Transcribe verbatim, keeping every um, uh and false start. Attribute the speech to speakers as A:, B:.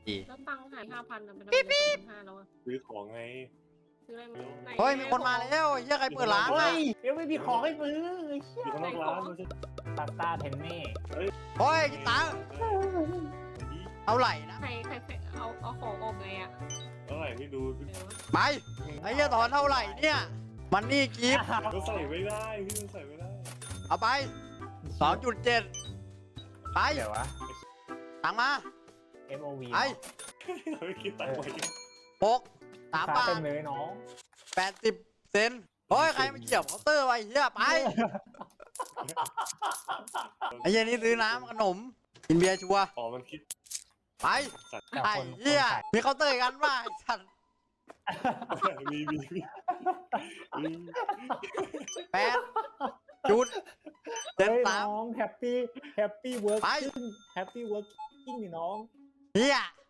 A: แล้วตังค์หายห้าพันอะเป็นอะไรสองพันห้าแล้วอะ
B: ซื้อของไง
A: ซื้ออะไรมาไหน
C: เฮ้ยมีคนมาแล้วเฮียใครเปิดร้าน
D: เฮ้
C: อ่ะ
D: ยเดี๋ยวไม่มีของให้ซื้อไอ้เหี้ย
B: อยู่ข้างนอกร้านไม่ใช่
D: พาสต้าเทนเน่
C: เฮ้ยกินตังค์เท่าไหร่นะ
A: ใครใครเอาเอาของออกไงอะ
B: เท่าไหร่ไม่ดู
A: เดี๋ยว
C: ไปไอ้เฮียถอนเท่าไหร่เนี่ยมันนี่กิฟต์
B: ก็ใส่ไม่ได้พี่มันใส่ไม่ได้
C: เอาไปสองจุดเจ็ดไป
D: เดี๋ยววะ
C: ตังค์มา
D: เอ็ม โอ วี
B: เ
C: ไอ
B: ราไม่คิดตังค์ไว้
C: หกสามบา
D: เต็
C: ท
D: มเลยน้อง
C: แปดสิบเซนเฮ้ยใครมาเกี่ยวเคาน์เตอร์ไว้เฮียไปไอ้เฮียนี่ซื้อน้ำขนมกินเบียร์ชัวร์
B: อ๋อมันคิด
C: ไป
B: สัตว์
D: แต่
C: ไอ้
D: คน
C: เฮีย
D: คนขาย
C: มีเคาน์เตอร์กันป่ะไอ้สัตว์
B: มีมีมีมี
C: แปดจุดเจ็ด
D: เฮ้ย
C: สาม
D: น้องแฮปปี้แฮปปี้เวิร์ก
C: ไป
D: แฮปปี้เวิร์กกิ้งนี่น้อง
C: เฮีย